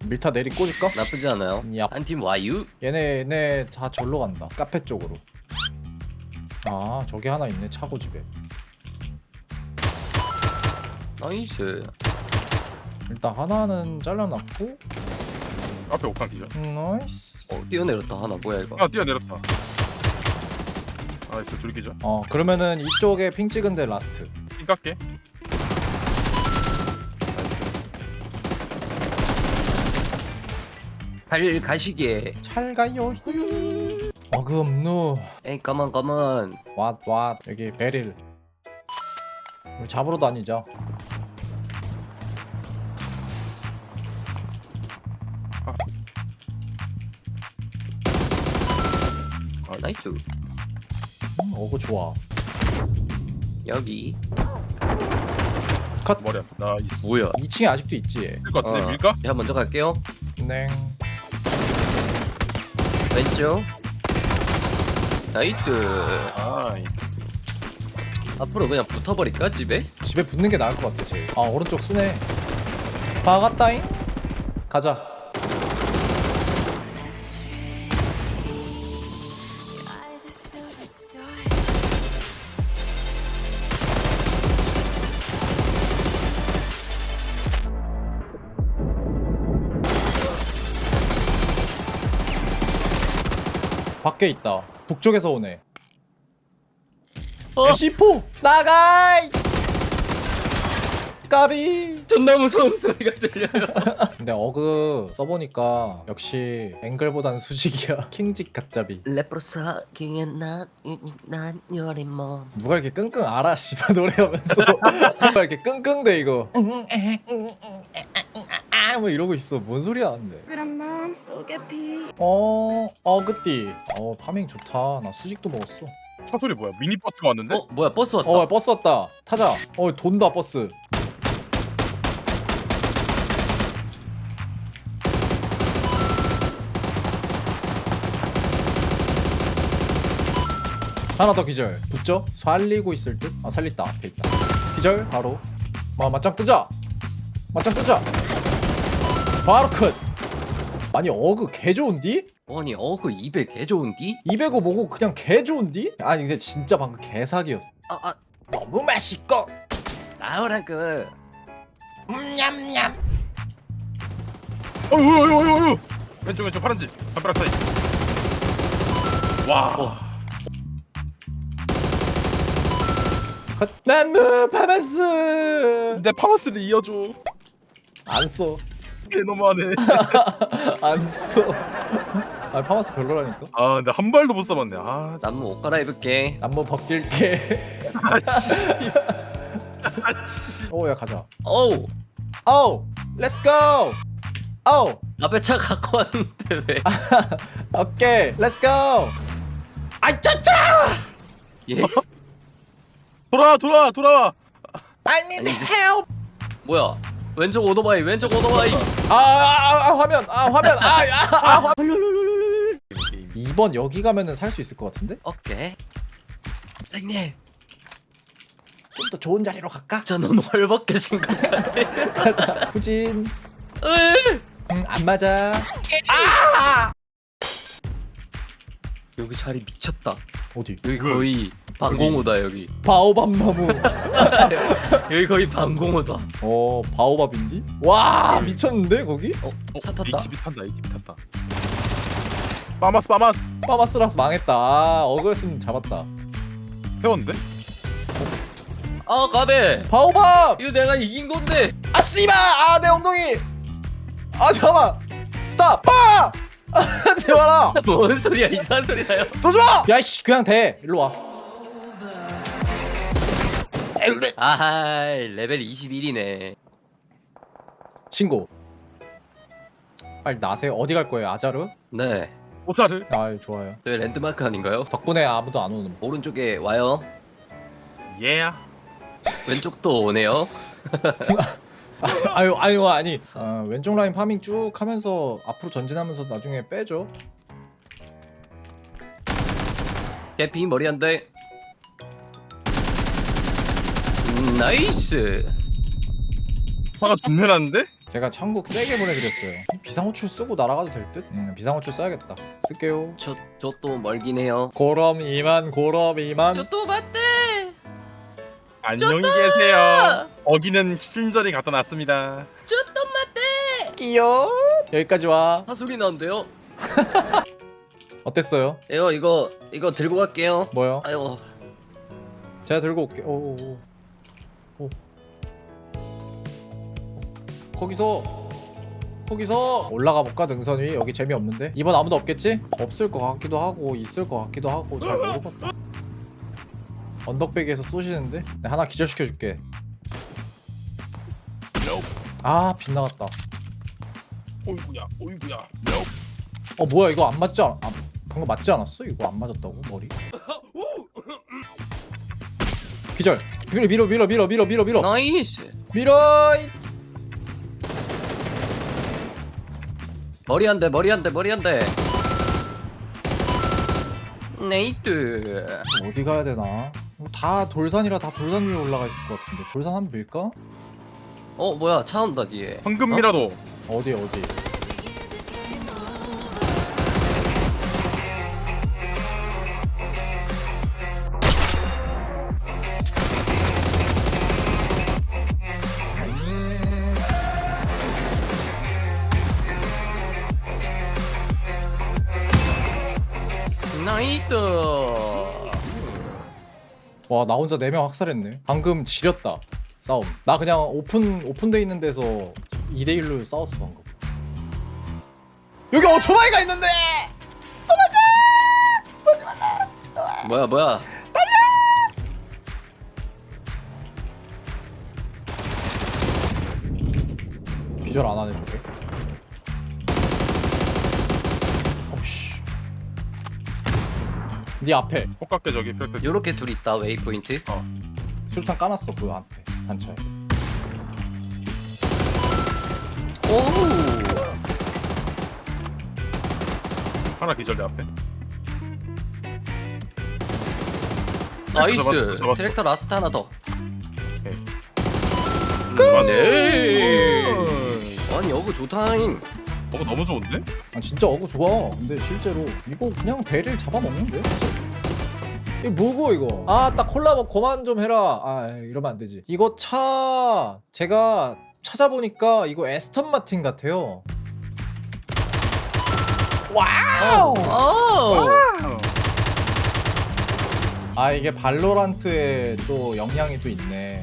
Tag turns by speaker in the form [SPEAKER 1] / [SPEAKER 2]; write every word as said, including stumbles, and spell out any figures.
[SPEAKER 1] 밀타 내리 꽂을까?
[SPEAKER 2] 나쁘지 않아요.
[SPEAKER 1] 야.
[SPEAKER 2] 한 팀 와유.
[SPEAKER 1] 얘네 얘네 다 절로 간다. 카페 쪽으로. 아 저기 하나 있네 차고 집에.
[SPEAKER 2] 나이스.
[SPEAKER 1] 일단 하나는 잘라놨고.
[SPEAKER 3] 앞에 옥상 기절.
[SPEAKER 1] 음, 나이스.
[SPEAKER 2] 어 뛰어내렸다 하나. 뭐야 이거?
[SPEAKER 3] 아 뛰어내렸다. 나이스 둘 기절.
[SPEAKER 1] 어 그러면은 이쪽에 핑 찍은데 라스트.
[SPEAKER 3] 핑 깎게.
[SPEAKER 2] 갈 가시기에.
[SPEAKER 1] 잘 가요. 어금누.
[SPEAKER 2] 에이 가만 가만.
[SPEAKER 1] 왓왓 여기 베릴. 우리 잡으러 다니자.
[SPEAKER 2] 나이스.
[SPEAKER 1] 음, 어그 좋아.
[SPEAKER 2] 여기.
[SPEAKER 1] 컷.
[SPEAKER 3] 머리 안. 나이스.
[SPEAKER 2] 뭐야?
[SPEAKER 1] 이 층에 아직도 있지.
[SPEAKER 3] 쓸것 같은데
[SPEAKER 2] 어.
[SPEAKER 3] 밀까?
[SPEAKER 2] 제가 먼저 갈게요.
[SPEAKER 1] 냉.
[SPEAKER 2] 왼쪽. 나이스.
[SPEAKER 3] 아,
[SPEAKER 2] 앞으로 그냥 붙어버릴까 집에?
[SPEAKER 1] 집에 붙는 게 나을 것 같아 제일. 아 오른쪽 쓰네. 박았다잉. 가자. 밖에 있다. 북쪽에서 오네.
[SPEAKER 2] 어?
[SPEAKER 1] 시포 나가이. 까비.
[SPEAKER 2] 존나 무서운 소리가 들려요.
[SPEAKER 1] 근데 어그 써보니까 역시 앵글보단 수직이야. 킹직 가짜비.
[SPEAKER 2] 레프로사 기엔난 난 요리 몸.
[SPEAKER 1] 누가 이렇게 끙끙 알아 씨발 노래하면서 누가 이렇게 끙끙대 이거. 뭐 이러고 있어. 뭔 소리야 근데.
[SPEAKER 4] 그런 마음속에 비
[SPEAKER 1] 어 어그띠. 어 파밍 좋다. 나 수직도 먹었어.
[SPEAKER 3] 차 소리 뭐야? 미니 버스가 왔는데?
[SPEAKER 2] 어 뭐야 버스 왔다.
[SPEAKER 1] 어 버스 왔다. 타자. 어 돈다 버스. 하나 더 기절. 붙죠? 살리고 있을 듯? 아 살렸다. 앞에 있다. 기절 바로. 마 맞짱 뜨자. 맞짱 뜨자. 바로 컷. 아니 어그 개 좋은디?
[SPEAKER 2] 아니 어그 이백 개 좋은디?
[SPEAKER 1] 이백오 뭐고 그냥 개 좋은디? 아니 근데 진짜 방금 개사기였어.
[SPEAKER 2] 아아
[SPEAKER 1] 너무 맛있고.
[SPEAKER 2] 나오라고.
[SPEAKER 1] 냠냠.
[SPEAKER 3] 어유 어유 어유 어유. 왼쪽 왼쪽 파란지. 담벼락 사이. 와.
[SPEAKER 2] 어.
[SPEAKER 1] 컷. 나무 파마스.
[SPEAKER 3] 내 파마스를 이어줘.
[SPEAKER 1] 안 써.
[SPEAKER 3] 개 너무하네.
[SPEAKER 1] 안 써. 아 파마스 별로라니까.
[SPEAKER 3] 아 근데 한 발도 못 쏴봤네. 아
[SPEAKER 2] 나무 옷 갈아입을게.
[SPEAKER 1] 남모 벗길게.
[SPEAKER 3] 아씨. 아씨.
[SPEAKER 1] 오야 가자.
[SPEAKER 2] 어우
[SPEAKER 1] 오, 렛츠 고. 오,
[SPEAKER 2] 앞에 차 갖고 왔는데 왜?
[SPEAKER 1] 오케이, 렛츠 고. 아이 짜짜.
[SPEAKER 2] 예?
[SPEAKER 3] 돌아와 돌아와 돌아와.
[SPEAKER 1] I need
[SPEAKER 2] 아니, 이제-
[SPEAKER 1] help.
[SPEAKER 2] 뭐야? 왼쪽 오토바이 왼쪽 오토바이.
[SPEAKER 1] 아, 아, 아, 아 화면, 아 화면, 아, 아, 아 화. 이번 여기 가면은 살 수 있을 것 같은데?
[SPEAKER 2] 오케이. 선생님
[SPEAKER 1] 좀 더 좋은 자리로 갈까?
[SPEAKER 2] 저 너무 헐벗겨진 것 같아.
[SPEAKER 1] 가자. 후진.
[SPEAKER 2] 으이!
[SPEAKER 1] 음, 안 맞아.
[SPEAKER 2] 여기 자리 미쳤다.
[SPEAKER 1] 어디?
[SPEAKER 2] 여기 거의 방공호다 여기.
[SPEAKER 1] 바오밥 나무.
[SPEAKER 2] 여기 거의 방공호다.
[SPEAKER 1] 어, 바오밥인디? 와, 미쳤는데 거기?
[SPEAKER 2] 어? 차
[SPEAKER 3] 이
[SPEAKER 2] 탔다.
[SPEAKER 3] 집이 탄다. 이 집이 탔다. 빠마스 빠마스.
[SPEAKER 1] 파마스라서 망했다. 아, 어그였으면 잡았다.
[SPEAKER 3] 세웠는데?
[SPEAKER 2] 아 가베.
[SPEAKER 1] 바오밥.
[SPEAKER 2] 이거 내가 이긴 건데.
[SPEAKER 1] 아 씨발! 아, 내 엉덩이. 아, 잠깐만. 스탑. 빠! 아, 하지 마라.
[SPEAKER 2] 뭔 소리야 이상한 소리 나요.
[SPEAKER 1] 쏘줘! 야이씨, 그냥 돼. 일로 와.
[SPEAKER 2] 아하 레벨 이십일이네.
[SPEAKER 1] 신고. 빨리 나세요. 어디 갈 거예요? 아자르?
[SPEAKER 2] 네.
[SPEAKER 3] 오차를.
[SPEAKER 1] 아, 좋아요.
[SPEAKER 2] 저희 랜드마크 아닌가요?
[SPEAKER 1] 덕분에 아무도 안 오는.
[SPEAKER 2] 오른쪽에 와요.
[SPEAKER 3] 예.
[SPEAKER 2] 왼쪽도 오네요.
[SPEAKER 1] 아유, 아유, 아니. 아, 왼쪽 라인 파밍 쭉 하면서 앞으로 전진하면서 나중에 빼죠.
[SPEAKER 2] 개피 머리 한 대. 음, 나이스.
[SPEAKER 3] 화가 존내 났는데?
[SPEAKER 1] 제가 천국 세게 보내드렸어요. 비상호출 쓰고 날아가도 될 듯? 음, 비상호출 써야겠다. 쓸게요.
[SPEAKER 2] 저 저 또 멀긴 해요.
[SPEAKER 1] 고럼 이만 고럼 이만.
[SPEAKER 2] 저 또 맞대.
[SPEAKER 3] 안녕히 계세요. 어기는 친절히 갖다 놨습니다.
[SPEAKER 2] 저 또 맞대.
[SPEAKER 1] 끼요. 여기까지 와.
[SPEAKER 2] 사소리 나는데요.
[SPEAKER 1] 어땠어요?
[SPEAKER 2] 이거 이거 이거 들고 갈게요.
[SPEAKER 1] 뭐요?
[SPEAKER 2] 아유.
[SPEAKER 1] 제가 들고 올게. 오, 오, 오. 오. 거기서 거기서 올라가 볼까 능선 위. 여기 재미없는데? 이번 아무도 없겠지? 없을 것 같기도 하고 있을 것 같기도 하고 잘 모르겠다. 언덕배기에서 쏘시는데? 내가 하나 기절시켜 줄게. 아 빗나갔다.
[SPEAKER 3] 어이구야, 어이구야.
[SPEAKER 1] 어 뭐야 이거 안 맞지 않.. 아, 방금 맞지 않았어? 이거 안 맞았다고? 머리? 기절! 밀어 밀어 밀어 밀어 밀어 밀어 밀어
[SPEAKER 2] 나이스.
[SPEAKER 1] 밀어! 이-
[SPEAKER 2] 머리 한 대, 머리 한 대, 머리 한 대. 네이트.
[SPEAKER 1] 어디 가야 되나? 뭐 다 돌산이라 다 돌산 위에 올라가 있을 것 같은데 돌산 한번 밀까?
[SPEAKER 2] 어 뭐야 차 온다 뒤에.
[SPEAKER 3] 황금미라도.
[SPEAKER 1] 어디 어디?
[SPEAKER 2] 나이트.
[SPEAKER 1] 와 나 혼자 네 명 학살했네. 방금 지렸다 싸움. 나 그냥 오픈 오픈돼 있는 데서 이 대 일로 싸웠어 방금. 여기 오토바이가 있는데!
[SPEAKER 2] 뭐야 뭐야.
[SPEAKER 1] 기절 안 하네 저게. 어씨. 네 앞에
[SPEAKER 3] 똑같게 저기 펼펼.
[SPEAKER 2] 요렇게 둘 있다 웨이포인트.
[SPEAKER 1] 술탄 까놨어 그 앞에 단차에.
[SPEAKER 2] 오.
[SPEAKER 3] 하나 기절 내 앞에.
[SPEAKER 2] 나이스.
[SPEAKER 3] 잡았어, 잡았어.
[SPEAKER 2] 트랙터 라스트 하나 더.
[SPEAKER 3] 네.
[SPEAKER 2] 아니 여거 좋다잉.
[SPEAKER 3] 어 너무 좋은데?
[SPEAKER 1] 아 진짜 어그 좋아. 근데 실제로 이거 그냥 배를 잡아먹는데? 이거 뭐고 이거? 아 딱 콜라보 그만 좀 해라. 아 이러면 안 되지. 이거 차 제가 찾아보니까 이거 에스턴 마틴 같아요. 와우!
[SPEAKER 2] 오.
[SPEAKER 1] 아 이게 발로란트에 또 영향이 또 있네.